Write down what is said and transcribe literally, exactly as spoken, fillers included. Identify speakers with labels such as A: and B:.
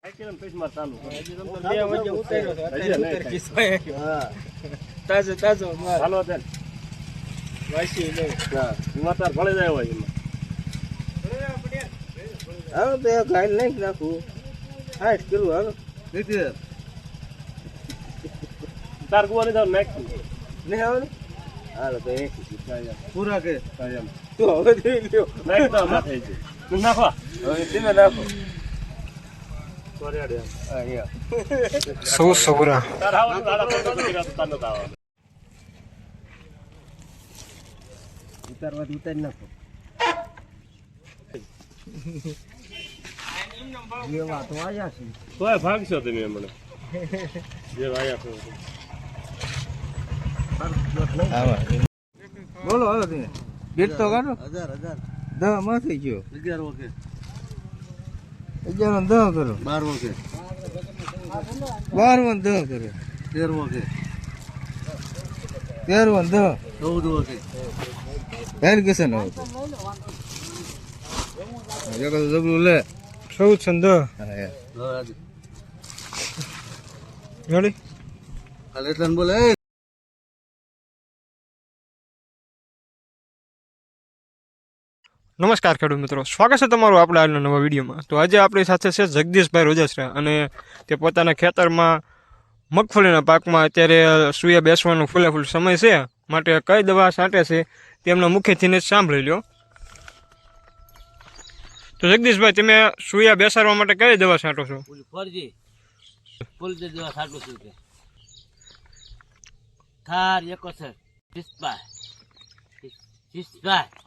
A: તાજો તાજો
B: હાલો બેન
A: વાસી લે
B: માતાર ભળી જાય હોય એમાં
A: હાલો તો ગાય લઈ નાખું સાઠ કિલો હાલો
B: નથી તાર ગુવાની જાવ નાખ
A: નહીં આવે હાલો તો એક
B: પૂરા કે એમ
A: તું હવે જોઈ લ્યો
B: નાખ તો માથે છે તું નાખવા
A: હવે તમે નાખો
C: સો સોરા
B: તાર આવવાનું દાડા તો નથી રાત તાર નતા આવવાનું
A: ઉતારવા ઉતારી નાખો જે વાતો આવ્યા છે
B: તોય ભાગશો તમે મને જે આયા છો
A: બોલો હવે તમે બેટ તો કાઢો હજાર હજાર દહ માં થઈ ગયો
B: અગિયાર ઓકે
A: અગિયાર દહ કરો
B: બાર ઓકે
A: બાર માં દહ કરો
B: તેર ઓકે
A: તેર માં દહ
B: ચૌદ ઓકે
A: હેર કેસે ન હોતો જગત જબલું લે
C: ચૌદ છંદ
A: હા
C: રેડી
B: કાલે તન બોલે
C: નમસ્કાર ખેડૂત મિત્રો, સ્વાગત છે તમારું આપણા આજના નવા વિડીયોમાં. તો આજે આપણી સાથે છે જગદીશભાઈ રોજસરા અને તે પોતાના ખેતરમાં મગફળીના પાકમાં અત્યારે સૂયા બેસવાનો ફૂલે ફૂલ સમય છે, માટે કઈ દવા છાંટે છે તેમના મુખેથી જ સાંભળી લો. તો જગદીશભાઈ, તમે સૂયા બેસાડવા માટે કઈ દવા છાંટો છો?
D: ફરજી ફૂલ દવા છાંટું છું કે થાર એકોતેર સિસ્પા સિસ્પા